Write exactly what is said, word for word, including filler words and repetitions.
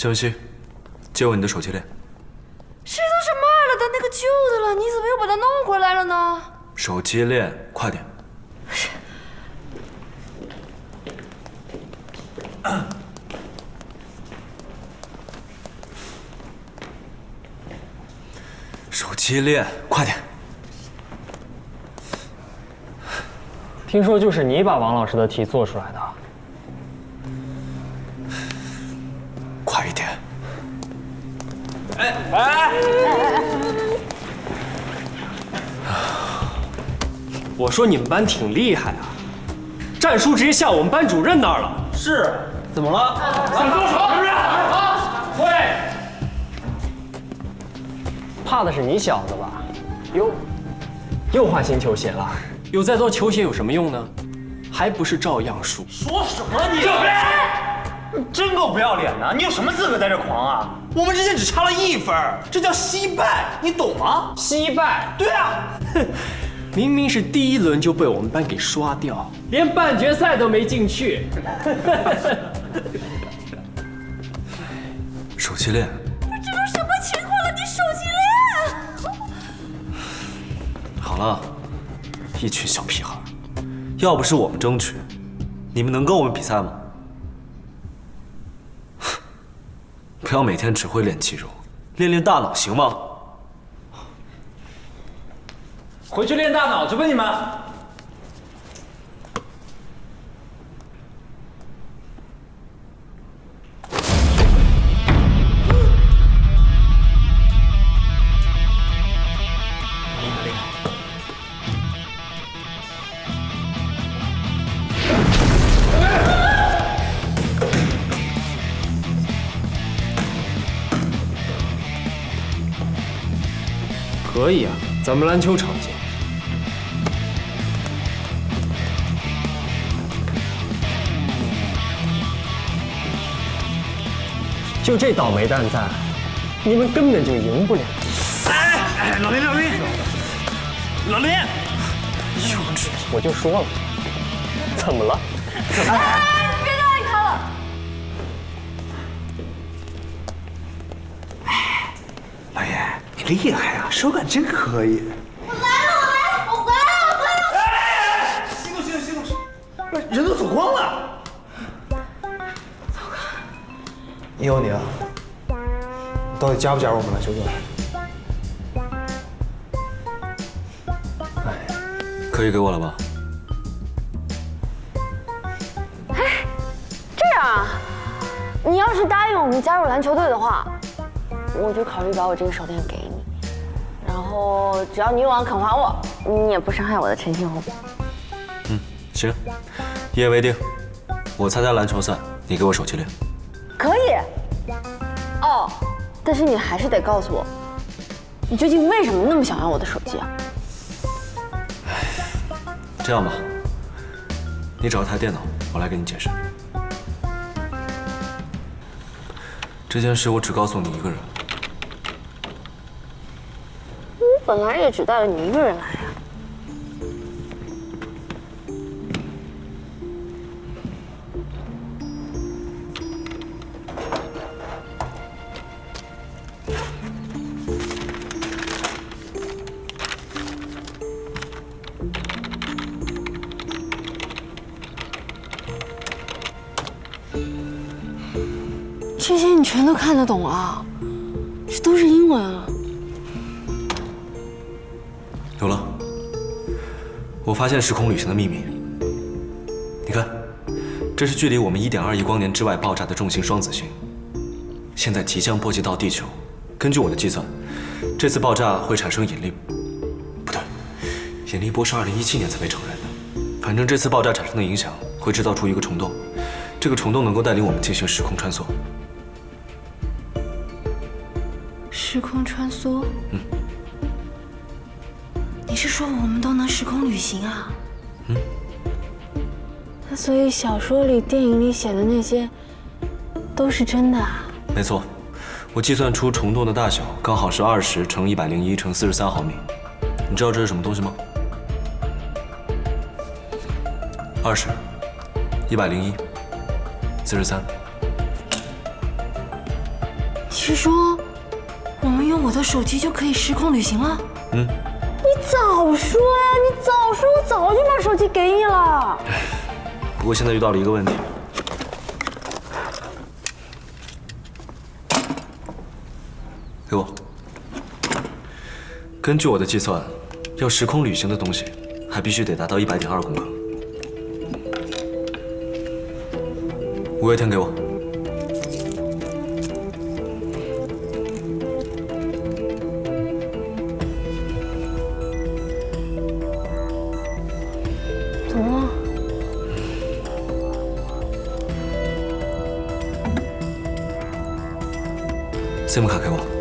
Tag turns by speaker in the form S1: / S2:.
S1: 谢文熙，借我你的手机链。
S2: 这都是卖了的，那个旧的了，你怎么又把它弄回来了呢？
S1: 手机链，快点。手机链，快点。
S3: 听说就是你把王老师的题做出来的。
S1: 快一点！
S3: 哎哎！我说你们班挺厉害啊，战书直接下我们班主任那儿了。
S4: 是，怎么了？
S3: 想动手是不是？啊，会。怕的是你小子吧？哟，又换新球鞋了。有再多球鞋有什么用呢？还不是照样输。
S4: 说什么你？你真够不要脸的！你有什么资格在这狂啊？我们之间只差了一分，这叫惜败，你懂吗？
S3: 惜败？
S4: 对啊，
S3: 哼，明明是第一轮就被我们班给刷掉，连半决赛都没进去。
S1: 手机链，
S2: 这都什么情况了？你手机链？
S1: 好了，一群小屁孩，要不是我们争取，你们能跟我们比赛吗？ 不要每天只会练肌肉，练练大脑行吗？
S4: 回去练大脑去吧，你们。
S3: 可以啊，咱们篮球场见。就这倒霉蛋在，你们根本就赢不了。
S4: 哎哎，老林老林，老林，
S3: 幼稚！我就说了，怎么了？怎么了？
S2: 哎，别搭理他了。
S4: 哎，老爷，你厉害啊，手感真可以。
S2: 我来了，我来了，我回来了，我回来了。
S4: 哎哎哎，息怒息怒息怒！不是人都走光了。以后你啊，你到底加不加入我们篮球队？
S1: 可以给我了吧？
S2: 这样啊，你要是答应我们加入篮球队的话，我就考虑把我这个手链给你，然后只要女网肯还我，你也不伤害我的陈信宏。
S1: 嗯，行，一言为定。我参加篮球赛，你给我手机链。
S2: 可以。哦，但是你还是得告诉我，你究竟为什么那么想要我的手机啊？
S1: 这样吧，你找台电脑，我来给你解释。这件事我只告诉你一个人。
S2: 我本来也只带了你一个人来呀。这些你全都看得懂啊？这都是英文啊！
S1: 有了，我发现时空旅行的秘密。你看，这是距离我们一点二亿光年之外爆炸的重型双子星，现在即将波及到地球。根据我的计算，这次爆炸会产生引力，不对，引力波是二零一七年才被承认的。反正这次爆炸产生的影响会制造出一个虫洞，这个虫洞能够带领我们进行时空穿梭。
S2: 时空穿梭？
S1: 嗯。
S2: 你是说我们都能时空旅行啊？
S1: 嗯。
S2: 那所以小说里、电影里写的那些都是真的啊？
S1: 没错，我计算出虫洞的大小刚好是二十乘一百零一乘四十三毫米。你知道这是什么东西吗？二十，一百零一，四十三。
S2: 是说，我们用我的手机就可以时空旅行了？
S1: 嗯。
S2: 你早说呀！你早说，我早就把手机给你了。
S1: 不过现在遇到了一个问题。给我。根据我的计算，要时空旅行的东西，还必须得达到一百点二公克。五月天给我。
S2: 怎么了？
S1: SIM 卡给我。